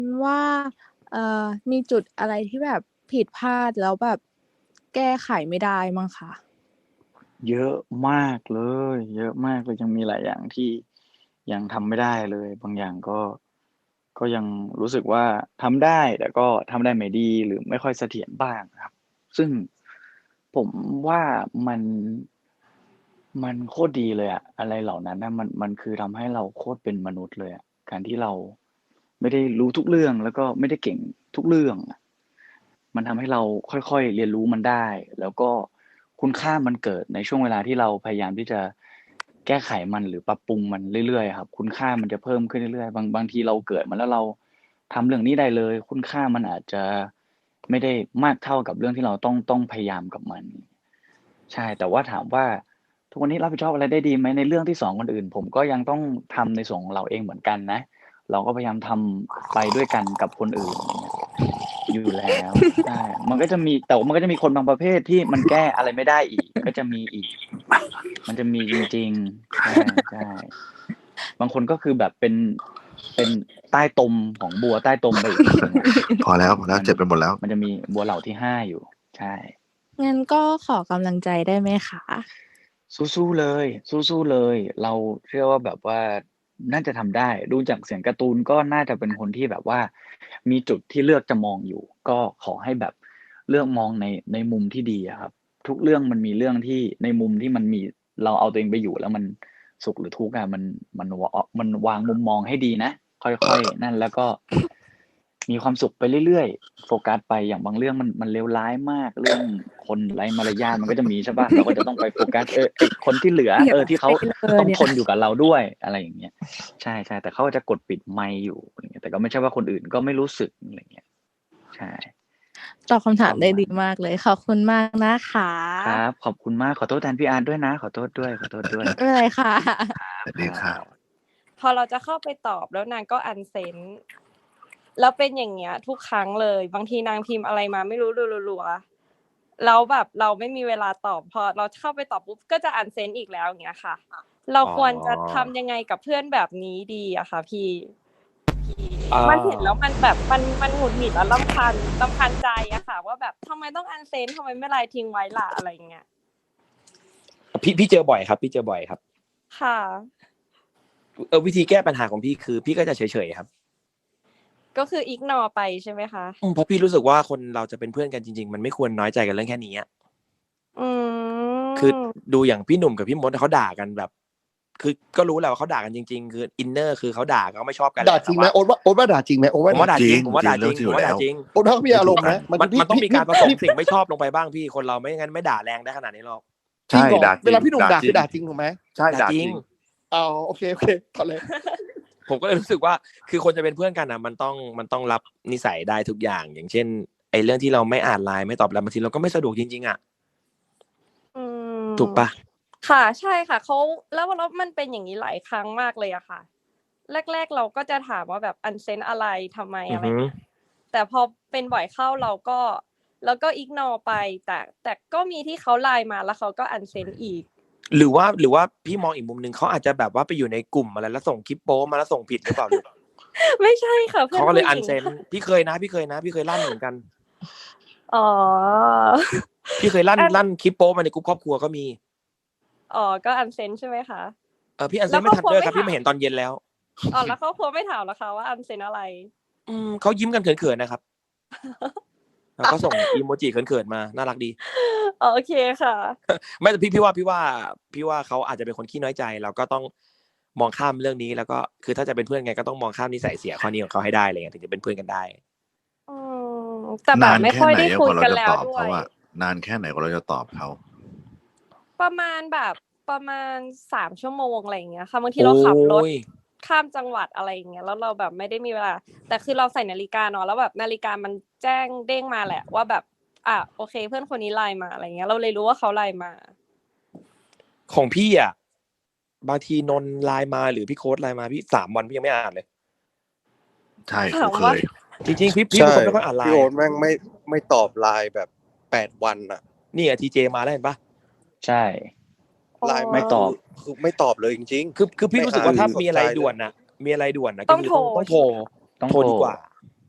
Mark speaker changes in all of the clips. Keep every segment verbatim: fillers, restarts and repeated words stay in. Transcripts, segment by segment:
Speaker 1: ว่า เอ่อ มีจุดอะไรที่แบบผิดพลาดแล้วแบบแก้ไขไม่ได้มั่งคะ?
Speaker 2: เยอะมากเลย เยอะมากเลย ยังมีหลายอย่างที่ยังทำไม่ได้เลย บางอย่างก็ ก็ยังรู้สึกว่าทำได้ แต่ก็ทำได้ไม่ดี หรือไม่ค่อยเสถียรบ้างครับ ซึ่งผมว่ามัน มันโคตรดีเลยอะ อะไรเหล่านั้นน่ะ มัน มันคือทำให้เราโคตรเป็นมนุษย์เลยอะ การที่เราไม่ได้รู้ทุกเรื่อง แล้วก็ไม่ได้เก่งทุกเรื่องอะ มันทำให้เราค่อย ๆ เรียนรู้มันได้ แล้วก็คุณค่ามันเกิดในช่วงเวลาที่เราพยายามที่จะแก้ไขมัน หรือปรับปรุงมันเรื่อย ๆ อะครับ คุณค่ามันจะเพิ่มขึ้นเรื่อย ๆ บาง บางทีเราเกิดมาแล้วเราทำเรื่องนี้ได้เลย คุณค่ามันอาจจะไม่ได้มากเท่ากับเรื่องที่เราต้อง ต้องพยายามกับมัน ใช่ แต่ว่าถามว่า ทุกวันนี้รับผิดชอบอะไรได้ดีไหม? ในเรื่องที่สอนคนอื่น ผมก็ยังต้องทำในส่วนของเราเองเหมือนกันนะ เราก็พยายามทำไปด้วยกันกับคนอื่น อย่างเงี้ย อยู่แล้ว ใช่ มันก็จะมี แต่ว่ามันก็จะมีคนบางประเภทที่มันแก้อะไรไม่ได้อีก ก็จะมีอีก มันจะมีจริง ๆ ใช่ ๆ บางคนก็คือแบบเป็น เป็นใต้ตมของบัวใต้ตมไปอีกทีหนึ่งอะ
Speaker 3: พอแล้ว พอแล้ว
Speaker 2: มัน
Speaker 3: เจ็บไปหมดแล้ว
Speaker 2: มันจะมีบัวเหล่าที่ ห้า อยู่ ใช่
Speaker 1: งั้นก็ขอกำลังใจได้ไหมคะ?
Speaker 2: สู้ ๆ เลย สู้ ๆ เลย เราเชื่อว่าแบบว่าน่าจะทำได้ ดูจากเสียงการ์ตูนก็น่าจะเป็นคนที่แบบว่ามีจุดที่เลือกจะมองอยู่ ก็ขอให้แบบเลือกมองใน ในมุมที่ดีอะครับ ทุกเรื่องมันมีเรื่องที่ ในมุมที่มันมี เราเอาตัวเองไปอยู่แล้วมันสุขหรือทุกข์อะ มัน มัน ว อ มันวางมุมมองให้ดีนะ ค่อย ๆ นั่น แล้วก็มีความสุขไปเรื่อย ๆ โฟกัสไป อย่างบางเรื่องมัน มันเลวร้ายมาก เรื่องคนไร้มารยาทมันก็จะมี ใช่เปล่า เราก็จะต้องไปโฟกัส เออ ไอ้คนที่เหลือ
Speaker 1: เสี
Speaker 2: เ
Speaker 1: ย
Speaker 2: ออ ที่เขา
Speaker 1: ไปเลย
Speaker 2: ต้อง
Speaker 1: เนี่ย
Speaker 2: ทนอยู่กับเราด้วย อะไรอย่างเงี้ย ใช่ ๆ แต่เขาจะกดปิดไมค์อยู่ อะไรอย่างเงี้ย แต่ก็ไม่ใช่ว่าคนอื่นก็ไม่รู้สึก อะไรอย่างเงี้ย ใช่
Speaker 1: ตอบคำถามได้ดี
Speaker 2: ประมาณ
Speaker 1: มากเลย ขอบคุณมากนะคะ
Speaker 2: ครับ ขอบคุณมาก ขอโทษแทนพี่อาร์ตด้วยนะ ขอโทษด้วย ขอโทษด้วย
Speaker 1: ไม่เป็นไรค่ะ
Speaker 3: สวัสดีค
Speaker 2: ครั
Speaker 3: รับ
Speaker 2: บ
Speaker 4: พอเราจะเข้าไปตอบแล้วนางก็ unsend แล้วเป็นอย่างเงี้ยทุกครั้งเลย บางทีนางพิมพ์อะไรมาไม่รู้รัว ๆ ๆ แล้วแบบเราไม่มีเวลาตอบ พอเราเข้าไปตอบปุ๊บก็จะ unsend อีกแล้ว อย่างเงี้ยค่ะ เรา
Speaker 5: อ๋อ
Speaker 4: ควรจะทำยังไงกับเพื่อนแบบนี้ดีอะคะพี่?
Speaker 5: อ่า
Speaker 4: มันเห็นแล้วมันแบบ มัน มันหงุดหงิดและรำคาญ รำคาญใจอะค่ะว่าแบบทำไมต้อง unsend ทำไมไม่ไลน์ทิ้งไว้ล่ะ อะไรอย่างเงี้ย
Speaker 5: พี่ พี่เจอบ่อยครับ พี่เจอบ่อยครับ
Speaker 4: ค่ะ
Speaker 5: เออ วิธีแก้ปัญหาของพี่คือพี่ก็จะเฉย ๆ ครับ
Speaker 4: ก็คือ ignore ไปใช่ไหมคะ?
Speaker 5: อืม เพราะพี่รู้สึกว่าคนเราจะเป็นเพื่อนกันจริง ๆ มันไม่ควรน้อยใจกันเรื่องแค่นี้อะ
Speaker 4: อื
Speaker 5: คือ
Speaker 4: ม
Speaker 5: ดูอย่างพี่หนุ่มกับพี่มดอะเขาด่ากันแบบ คือก็รู้แหละว่าเขาด่ากันจริง ๆ คืออินเนอร์คือเขาด่า เขาไม่ชอบกันแห
Speaker 6: ด่า
Speaker 5: ละ
Speaker 6: จ
Speaker 5: แต
Speaker 6: ริ่งไหม?
Speaker 5: ว่า
Speaker 6: โอ๊ตว่า โอ๊ตว่าด่าจริงไหม? โอ๊ตว่า
Speaker 5: ผมว่าด่า
Speaker 3: จ
Speaker 5: จ
Speaker 3: ริ
Speaker 5: ริ
Speaker 3: ง
Speaker 5: ง ผมว่าด่าจริง
Speaker 3: จริง
Speaker 5: ผมว่าด่า
Speaker 3: แล้ว
Speaker 5: จริง
Speaker 6: โอ๊ตว่าเขามีอารมณ์นะ
Speaker 5: มัน
Speaker 6: มันพี่
Speaker 5: มันต้องมีการผสม
Speaker 6: พี่
Speaker 5: สิ่งไม่ชอบลงไปบ้างพี่ คนเราไม่งั้นไม่ด่าแรงได้ขนาดนี้หรอก
Speaker 6: จริงเหรอ?
Speaker 3: ด่าจริง
Speaker 6: เวลาพี่หนุ่มด่า
Speaker 3: ด่าจริง
Speaker 6: คือด่าจริงถูกไหม?
Speaker 3: ใช่
Speaker 5: ด่า
Speaker 3: ด่า
Speaker 5: จ
Speaker 3: จ
Speaker 5: ริ
Speaker 3: ริ
Speaker 5: ง
Speaker 3: ง
Speaker 6: อ๋อ โอเค ๆ ต่อเลย
Speaker 5: ผมก็เลยรู้สึกว่า คือคนจะเป็นเพื่อนกันน่ะ มันต้อง มันต้องรับนิสัยได้ทุกอย่าง อย่างเช่น ไอ้เรื่องที่เราไม่อ่าน ไลน์ ไม่ตอบไลน์ บางทีเราก็ไม่สะดวกจริง ๆ อะ
Speaker 4: อืม
Speaker 5: ถูกเปล่า?
Speaker 4: ค่ะ ใช่ค่ะ เขา แล้ว แล้วมันเป็นอย่างงี้หลายครั้งมากเลยอะค่ะ แรก ๆ เราก็จะถามว่าแบบ unsend อะไร ทำไม
Speaker 5: อือฮึ
Speaker 4: อะไรอย่างเงี้ย แต่พอเป็นบ่อยเข้าเราก็ เราก็ ignore ไป แต่ แต่ก็มีที่เขา ไลน์ มาแล้วเขาก็ unsend อีก
Speaker 5: หรือว่า หรือว่าพี่มองอีกมุมหนึ่ง เขาอาจจะแบบว่าไปอยู่ในกลุ่มอะไร แล้วส่งคลิปโป๊มาแล้วส่งผิดหรือเปล่าลูก?
Speaker 4: ไม่ใช่ค่ะ เพื่
Speaker 5: เข
Speaker 4: อ
Speaker 5: าน ก็เล
Speaker 4: ผู
Speaker 5: ย
Speaker 4: ้หญิง
Speaker 5: unsend
Speaker 4: ค่ะ
Speaker 5: พี่เคยนะ พี่เคยนะ พี่เคยลั่นเหมือนกัน
Speaker 4: อ๋อ
Speaker 5: พี่เคยลั่น
Speaker 4: อัน
Speaker 5: ลั่นคลิปโป๊มาในกรุ๊ปครอบครัวก็มี
Speaker 4: อ๋อ ก็ unsend ใช่ไหมคะ
Speaker 5: เออ พี่
Speaker 4: แล้
Speaker 5: unsend
Speaker 4: ว
Speaker 5: ไม่ทันด้วยครับ
Speaker 4: ครอบครัวไม่ถาม
Speaker 5: พี่มาเห็นตอนเย็นแล้ว
Speaker 4: อ๋อ แล้วครอบครัวไม่ถามเหรอคะว่า unsend อะไร?
Speaker 5: อืม เขายิ้มกันเขิน ๆ นะครับ แล้วก็ส่งอิโมจิเขิน ๆ มา น่ารักดี
Speaker 4: อ๋อ โอเคค่ะ
Speaker 5: ไม่ แต่พี่ พี่ว่า พี่ว่า พี่ว่าเขาอาจจะเป็นคนขี้น้อยใจ เราก็ต้องมองข้ามเรื่องนี้ แล้วก็ คือถ้าจะเป็นเพื่อนกันก็ต้องมองข้ามนิสัยเสียข้อนี้ของเขาให้ได้ อะไรอย่างเงี้ย ถึงจะเป็นเพื่อนกันได้
Speaker 4: อืม แต่แบ
Speaker 3: นา
Speaker 4: บไม่ค่อย
Speaker 3: นแค่ไหน
Speaker 4: ได้คุย
Speaker 3: กว่าเรา
Speaker 4: กัน
Speaker 3: จะ
Speaker 4: แล้
Speaker 3: ต
Speaker 4: ว
Speaker 3: อบ
Speaker 4: ด้
Speaker 3: เ
Speaker 4: ว
Speaker 3: ขา
Speaker 4: ย
Speaker 3: อะ นานแค่ไหนกว่าเราจะตอบเขา?
Speaker 4: ประมาณแบบ ประมาณ สาม ชั่วโมง อะไรอย่างเงี้ยค่ะ บางที
Speaker 5: โอ
Speaker 4: เราขับรถ
Speaker 5: ๊ย
Speaker 4: ข้ามจังหวัด อะไรอย่างเงี้ย แล้วเราแบบไม่ได้มีเวลา แต่คือเราใส่นาฬิกาเนาะ แล้วแบบนาฬิกามันแจ้งเด้งมาแหละว่าแบบ อา โอเค เพื่อนคนนี้ ไลน์ มา อะไรอย่างเงี้ย เราเลยรู้ว่าเขา ไลน์ มา
Speaker 5: ของพี่อะ บางทีนนท์ ไลน์ มา หรือพี่โค้ด ไลน์ มา พี่ สาม วันพี่ยังไม่อ่านเลย
Speaker 3: ใช่
Speaker 4: ถ
Speaker 3: กู
Speaker 4: าม
Speaker 3: เค
Speaker 4: ว่า
Speaker 3: ย
Speaker 5: จริง ๆ พี่ พี่
Speaker 6: ใช
Speaker 5: เป็น่ คนไม่ค่อยอ่าน ไล
Speaker 6: พี่
Speaker 5: น์
Speaker 6: โอ๊ตแม่งไม่ ไม่ตอบ ไลน์ แบบ แปด วันอะ
Speaker 5: นี่อะ ทีเจ มาแล้วเห็นเปล่า?
Speaker 2: ใช่
Speaker 4: อ๋อ
Speaker 6: ไลน์
Speaker 2: ไม่
Speaker 6: มา
Speaker 2: ตอบ
Speaker 6: คือ คือไม่ตอบเลยจริง
Speaker 5: คือ คือ
Speaker 6: ๆ
Speaker 5: พี่
Speaker 6: ไม่
Speaker 5: รู้สึก
Speaker 6: อ่า
Speaker 5: ว่า
Speaker 6: น
Speaker 5: ถ้า
Speaker 6: ไส
Speaker 5: มีอะไร
Speaker 6: ใจเ
Speaker 5: ด่
Speaker 6: ลย
Speaker 5: วนน่ะ มีอะไรด่วนน่ะ
Speaker 4: ต้
Speaker 5: ก็
Speaker 4: อง
Speaker 5: คือ
Speaker 4: โทร
Speaker 5: ต้อง ต้อง
Speaker 4: ใช
Speaker 5: โทร
Speaker 4: ่ไหมคะ?
Speaker 2: ต้อง
Speaker 5: โทร
Speaker 2: โทร
Speaker 5: ดีกว่า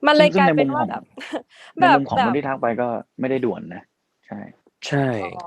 Speaker 4: มันเล
Speaker 2: ซึ่
Speaker 4: ย
Speaker 2: งซึ่
Speaker 4: ก
Speaker 2: ง
Speaker 4: ลาย
Speaker 2: ใน
Speaker 4: เป็
Speaker 2: มุ
Speaker 4: น
Speaker 2: ม
Speaker 4: ว่า
Speaker 2: ของ
Speaker 4: แบบ
Speaker 2: ใน
Speaker 4: แบบ
Speaker 2: มุมของ
Speaker 4: แบ
Speaker 2: คน
Speaker 4: บ
Speaker 2: ที่ทักไปก็ไม่ได้ด่วนนะ ใช่
Speaker 5: ใช่
Speaker 4: อ๋อ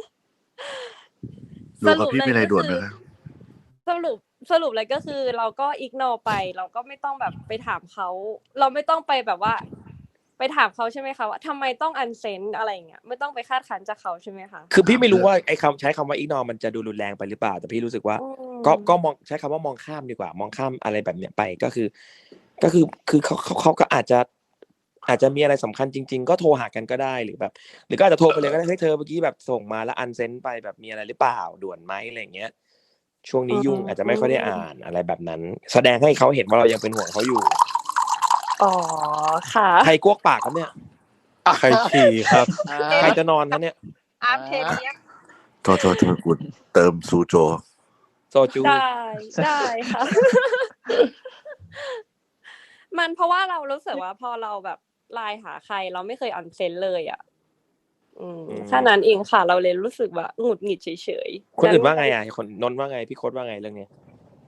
Speaker 3: ดู
Speaker 4: ส
Speaker 3: กับ
Speaker 4: รุป
Speaker 3: พี่
Speaker 4: เล
Speaker 3: มี
Speaker 4: ย
Speaker 3: อะไร
Speaker 4: ก็
Speaker 3: ด่วน
Speaker 4: คื
Speaker 3: ไหม
Speaker 4: อ
Speaker 3: ครับ?
Speaker 4: สรุป สรุปเลยก็คือเราก็ ignore ไป เราก็ไม่ต้องแบบไปถามเขา เราไม่ต้องไปแบบว่า ไปถามเขาใช่ไหมคะว่าทำไมต้อง unsend อะไรอย่างเงี้ย ไม่ต้องไปคาดคั้นจากเขาใช่ไหมคะ?
Speaker 5: คือพี่ไม่รู้
Speaker 3: ถามเพื่อ
Speaker 5: ว่าไอ้คำ ใช้คำว่า ignore มันจะดูรุนแรงไปหรือเปล่า แต่พี่รู้สึกว่า
Speaker 4: อื
Speaker 5: ก็ ก็
Speaker 4: ม
Speaker 5: มอง ใช้คำว่ามองข้ามดีกว่า มองข้ามอะไรแบบเนี้ยไป ก็คือ ก็คือ คือเขา เขา เขาก็อาจจะ อาจจะมีอะไรสำคัญจริง ๆ ก็โทรหากันก็ได้ หรือแบบ หรือก็อาจจะโทรไปเลยก็ได้ เฮ้ย เธอเมื่อกี้แบบส่งมาแล้ว unsend ไป แบบมีอะไรหรือเปล่า ด่วนไหม อะไรอย่างเงี้ย ช่วง
Speaker 4: อื
Speaker 5: นี้ยุ่งอาจจะไม่ค่อยได้อ่า
Speaker 4: ม
Speaker 5: น อะไรแบบนั้น แสดงให้เขาเห็นว่าเรายังเป็นห่วงเขาอยู่
Speaker 4: อ๋อ ค่ะ
Speaker 5: ใครกวกปากครับเนี่ย?
Speaker 6: ใครฉี่ครับ
Speaker 4: เ
Speaker 5: ใคร
Speaker 4: ต็ม
Speaker 5: จะนอนครับเนี่ย?
Speaker 4: อาร์ม เทเลียม
Speaker 3: โทษ โทษ โทษคุณ เติมซูโจ
Speaker 5: โซจู
Speaker 4: ได้ ได้ค่ะ มันเพราะว่าเรารู้สึกว่า พอเราแบบ ไลน์ หาใคร เราไม่เคย unsend เลยอะ อืม
Speaker 5: อืม
Speaker 4: แค่นั้นเองค่ะ เราเลยรู้สึกว่าหงุดหงิดเฉย ๆ
Speaker 5: คนอื่นว่า
Speaker 4: งั้
Speaker 5: ไงอะ คน นนท์ว่าไง พี่โค้ดว่าไงเรื่องนี้?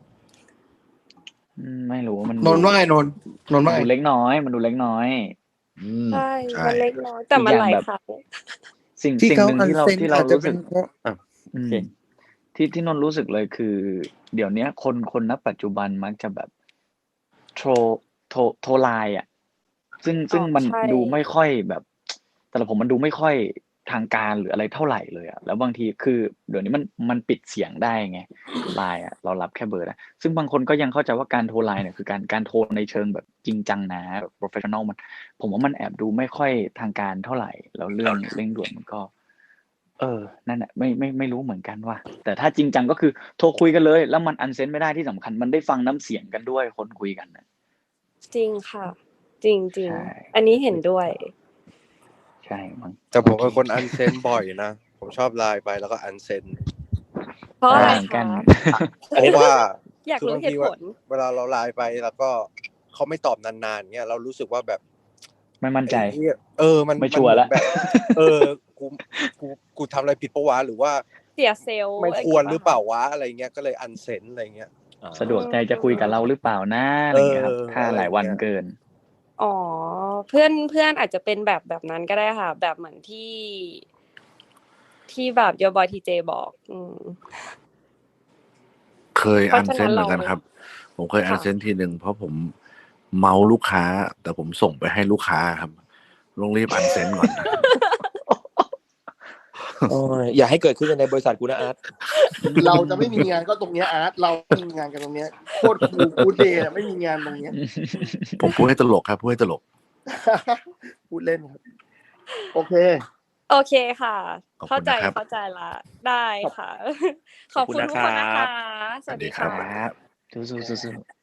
Speaker 2: อืม ไม่รู้ มัน
Speaker 6: น
Speaker 2: ดู
Speaker 6: นท์ว่าไง นนท์ นนท์
Speaker 2: มั
Speaker 6: ว่าน ไง?
Speaker 2: ดูเล็กน้อย มันดูเล็กน้อย
Speaker 3: อืม
Speaker 4: ใช่
Speaker 3: ใช่
Speaker 4: มันเล็กน้อย แต่
Speaker 2: อีก
Speaker 4: มั
Speaker 2: อน ย่า
Speaker 4: ห
Speaker 2: ง
Speaker 4: ลาย
Speaker 2: แบบ
Speaker 4: ครั้ง
Speaker 2: สิ่ง
Speaker 6: ที่
Speaker 2: สิ่ง
Speaker 6: เขา
Speaker 2: หนึ่งที่เรา
Speaker 6: unsend
Speaker 2: ที่เรา
Speaker 6: อาจจะ
Speaker 2: รู้
Speaker 6: เป็
Speaker 2: สึ
Speaker 6: น
Speaker 2: ก
Speaker 6: เพราะ อ้าว
Speaker 2: อื
Speaker 6: โอเค
Speaker 2: ม ที่ ที่นนท์รู้สึกเลย คือ เดี๋ยวเนี้ยคน คน ณ ปัจจุบันมักจะแบบ โทร โทร โทร ไลน์ อะ ซึ่ง
Speaker 4: อ๋
Speaker 2: ซึ่งมัน
Speaker 4: ใช่
Speaker 2: ดูไม่ค่อยแบบ สำหรับผมมันดูไม่ค่อยทางการ หรืออะไรเท่าไรเลยอะ แล้วบางที คือเดี๋ยวนี้มัน มันปิดเสียงได้ไง ไลน์อะ เรารับแค่เบอร์ได้ ซึ่งบางคนก็ยังเข้าใจว่าการโทร ไลน์เนี่ย คือการ การโทรในเชิงแบบจริงจังนะ แบบ โพรเฟสชันนัล มัน ผมว่ามันแอบดูไม่ค่อยทางการเท่าไร แล้วเรื่องเร่งด่วนมันก็ เออ นั่นแหละ ไม่ ไม่ ไม่รู้เหมือนกันว่ะ แต่ถ้าจริงจังก็คือโทรคุยกันเลย แล้วมัน unsend ไม่ได้ ที่สำคัญมันได้ฟังน้ำเสียงกันด้วย คนคุยกันน่ะ
Speaker 4: จริงค่ะ จริง
Speaker 2: ใช่
Speaker 4: ๆ อันนี้เห็นด้วย
Speaker 2: ใช่มั้ง
Speaker 6: แต่ผ
Speaker 2: โอ
Speaker 6: ม
Speaker 2: เค
Speaker 6: เป็นคน unsend บ่อยนะ ผมชอบ ไลน์ ไปแล้วก็ unsend
Speaker 4: เพราะ
Speaker 2: เอ
Speaker 4: อะ
Speaker 2: อ
Speaker 4: ไร
Speaker 2: เหมือน
Speaker 4: ค
Speaker 2: กัน
Speaker 4: ะ?
Speaker 6: เพราะว่า
Speaker 4: อยาก
Speaker 6: คือ
Speaker 4: รู้
Speaker 6: บาง
Speaker 4: เห
Speaker 6: ที
Speaker 4: ตุ
Speaker 6: ว
Speaker 4: ผล
Speaker 6: เวลาเรา ไลน์ ไป แล้วก็เขาไม่ตอบนาน ๆ เงี้ย เรารู้สึกว่าแบบ
Speaker 2: ไม่มั่น
Speaker 6: ไอ้
Speaker 2: ใจ
Speaker 6: เหี้ย เออ มัน
Speaker 2: ไม่
Speaker 6: มั
Speaker 2: ชั
Speaker 6: น
Speaker 2: วร์
Speaker 6: เหมื
Speaker 2: แล้
Speaker 6: อน
Speaker 2: ว
Speaker 6: แบบ เออ กู กู กูทำอะไรผิดเปล่าวะ หรือว่า
Speaker 4: เสีย เซลล์
Speaker 6: ไม่
Speaker 4: อะไร
Speaker 6: ควร
Speaker 4: งี้
Speaker 6: หรือ
Speaker 4: เปล่า
Speaker 6: เปล่า
Speaker 4: คะ?
Speaker 6: วะ อะไรเงี้ย ก็เลย unsend อะไรเงี้ย
Speaker 5: อ๋อ
Speaker 2: สะดวกใจจะคุยกับเราหรือเปล่านะ อะ
Speaker 6: เอ
Speaker 2: ไรอย่างเงี้ยครับ
Speaker 6: อ
Speaker 2: ถ้า
Speaker 6: อะไร
Speaker 2: หลายวัน
Speaker 6: เงี้ย
Speaker 2: เกิน
Speaker 4: อ๋อ เพื่อน เพื่อนอาจจะเป็นแบบ แบบนั้นก็ได้ค่ะ แบบเหมือนที่ ที่แบบ Your Boy ที เจ บอก อืม
Speaker 3: เคย
Speaker 4: เพราะฉะนั้
Speaker 3: unsend
Speaker 4: น
Speaker 3: เหมื
Speaker 4: เร
Speaker 3: อนกันครับ ผมเคย
Speaker 4: ค่ะ
Speaker 3: unsend ทีหนึ่ง เพราะผมเมาท์ลูกค้า แต่ผมส่งไปให้ลูกค้าอะครับ ต้องรีบ unsend ก่อน
Speaker 5: โอ๊ย อย่าให้เกิดขึ้นในบริษัทกูนะอาร์ต
Speaker 6: เราจะไม่มีงานก็ตรงเนี้ยอาร์ต เราไม่มีงานกันตรงเนี้ย โคตร Cool Good Day อะ ไม่มีงานตรงเนี้ย
Speaker 3: ผมพูดให้ตลกครับ พูดให้ตลก
Speaker 6: พูดเล่นครับ โอเค
Speaker 4: โอเคค่ะ
Speaker 3: ขอบ
Speaker 4: เข้า
Speaker 3: คุณ
Speaker 4: ใจ
Speaker 3: นะครับ
Speaker 4: เข้าใจแล้ว ได้ค่ะ ข
Speaker 5: ข
Speaker 4: อ
Speaker 5: อ
Speaker 4: บบ
Speaker 5: คุ
Speaker 4: คุณ
Speaker 5: ณ
Speaker 4: ทุก
Speaker 5: นะ
Speaker 4: คนนะ
Speaker 5: ครั
Speaker 4: คะ
Speaker 5: บ
Speaker 4: สวัสดี
Speaker 3: สวัสดีครั
Speaker 4: ค่ะ
Speaker 3: บ
Speaker 2: ครับ สู้ ๆ สู้ ๆ